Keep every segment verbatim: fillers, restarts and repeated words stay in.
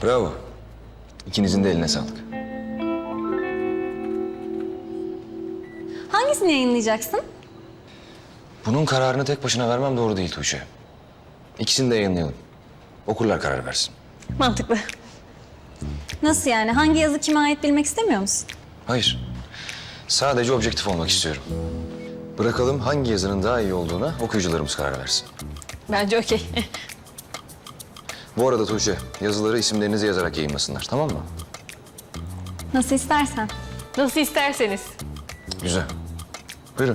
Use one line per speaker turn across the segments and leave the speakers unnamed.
Bravo. İkinizin de eline sağlık.
Hangisini yayınlayacaksın?
Bunun kararını tek başına vermem doğru değil Tuğçe. İkisini de yayınlayalım. Okurlar karar versin.
Mantıklı. Nasıl yani? Hangi yazı kime ait bilmek istemiyor musun?
Hayır. Sadece objektif olmak istiyorum. Bırakalım hangi yazının daha iyi olduğuna okuyucularımız karar versin.
Bence okey.
Bu arada Tuğçe, yazıları isimlerinizi yazarak yayınlasınlar, tamam mı?
Nasıl istersen.
Nasıl isterseniz.
Güzel. Buyurun.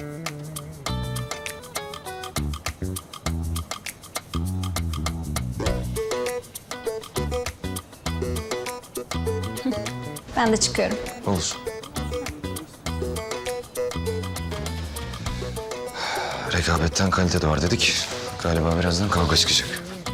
Ben de çıkıyorum.
Olur. Rekabetten kalite doğar dedik. Galiba birazdan kavga çıkacak.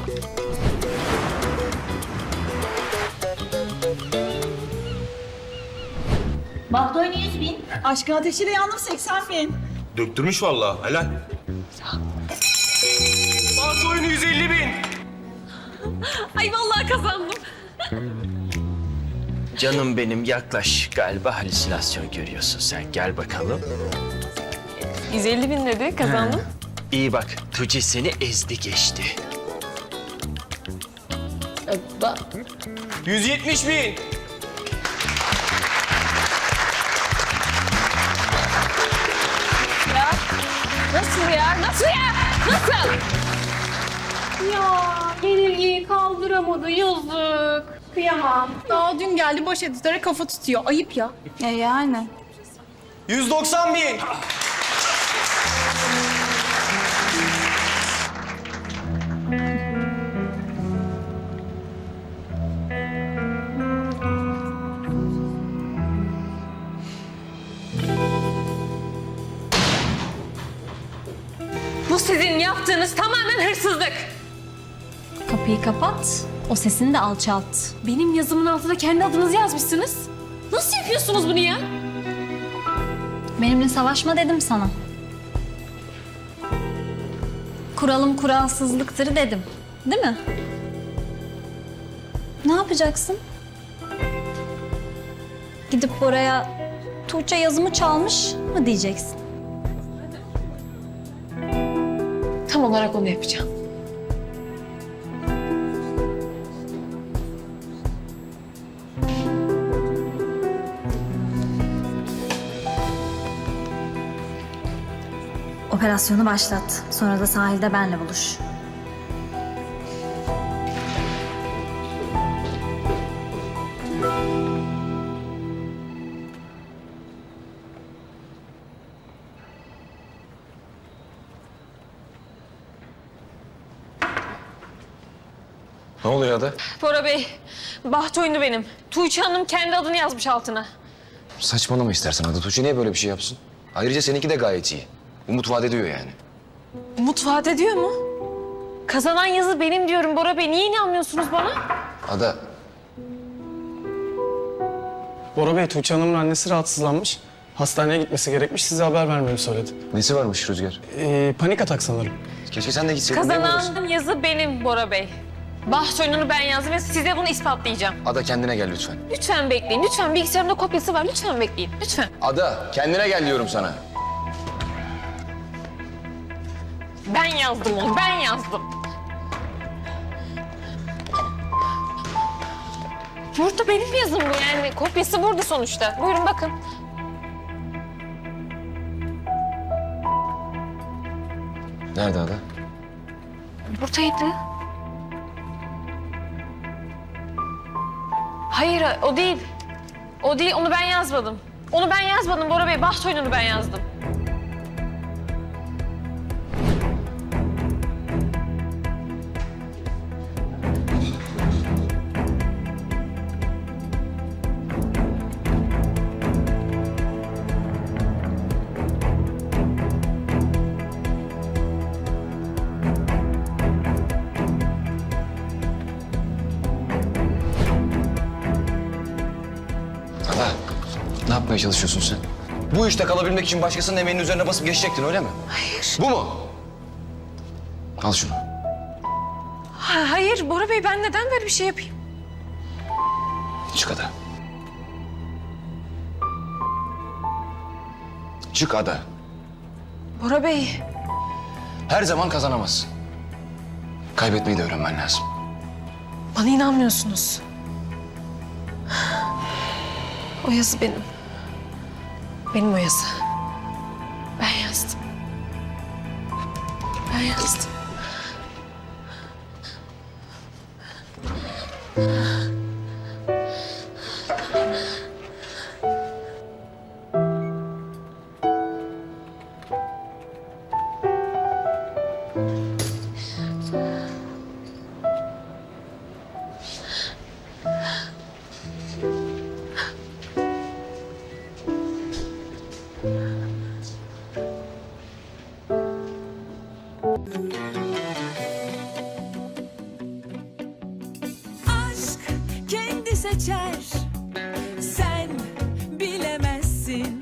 Bahdoyne yüz bin. Aşkın ateşiyle yandım seksen bin.
Döktürmüş vallahi, helal. Bas oyunu yüz elli bin.
Ay vallahi kazandım.
Canım benim yaklaş. Galiba halüsinasyon görüyorsun sen. Gel bakalım.
yüz elli bin dedi, kazandım.
İyi bak. Tuğçe seni ezdi geçti.
yüz yetmiş bin.
Nasıl ya? Nasıl ya? Nasıl? Ya yenilgiyi kaldıramadı, yazık. Kıyamam.
Daha dün geldi boş editöre kafa tutuyor. Ayıp ya. E yani.
yüz doksan bin.
Bu sizin yaptığınız tamamen hırsızlık.
Kapıyı kapat, o sesini de alçalt.
Benim yazımın altına kendi adınızı yazmışsınız. Nasıl yapıyorsunuz bunu ya?
Benimle savaşma dedim sana. Kuralım kuralsızlıktır dedim. Değil mi? Ne yapacaksın? Gidip oraya Tuğçe yazımı çalmış mı diyeceksin?
Tam olarak onu yapacağım.
Operasyonu başlat. Sonra da sahilde benle buluş.
Ne oluyor Ada?
Bora Bey, baht oyunu benim. Tuğçe Hanım kendi adını yazmış altına.
Saçmalama istersen Ada. Tuğçe niye böyle bir şey yapsın? Ayrıca seninki de gayet iyi. Umut vaat ediyor yani.
Umut vaat ediyor mu? Kazanan yazı benim diyorum Bora Bey. Niye inanmıyorsunuz bana?
Ada,
Bora Bey, Tuğçe Hanım'ın annesi rahatsızlanmış. Hastaneye gitmesi gerekmiş. Size haber vermemi söyledi.
nesi varmış Rüzgar?
Ee, panik atak sanırım.
Keşke sen de gitseydin. değil mi orası?
Kazanan yazı benim Bora Bey. Baht oyununu ben yazdım ve size bunu ispatlayacağım.
Ada kendine gel lütfen.
Lütfen bekleyin. Lütfen bilgisayarımda kopyası var. Lütfen bekleyin. Lütfen.
Ada, kendine gel diyorum sana.
Ben yazdım onu. Ben yazdım. Burada benim yazım bu yani. Kopyası burada sonuçta. Buyurun bakın.
Nerede Ada?
Buradaydı. Hayır o değil. O değil. Onu ben yazmadım. Onu ben yazmadım Bora Bey. Baht oyununu ben yazdım.
Ada, ne yapmaya çalışıyorsun sen? Bu işte kalabilmek için başkasının emeğinin üzerine basıp geçecektin öyle mi?
Hayır.
Bu mu? Al şunu.
Ha, hayır Bora Bey ben neden böyle bir şey yapayım?
Çık ada. Çık ada.
Bora Bey.
Her zaman kazanamazsın. Kaybetmeyi de öğrenmen lazım.
Bana inanmıyorsunuz. O yazı benim. Benim o yazı. Ben yazdım. Ben yazdım.
Aşk kendi seçer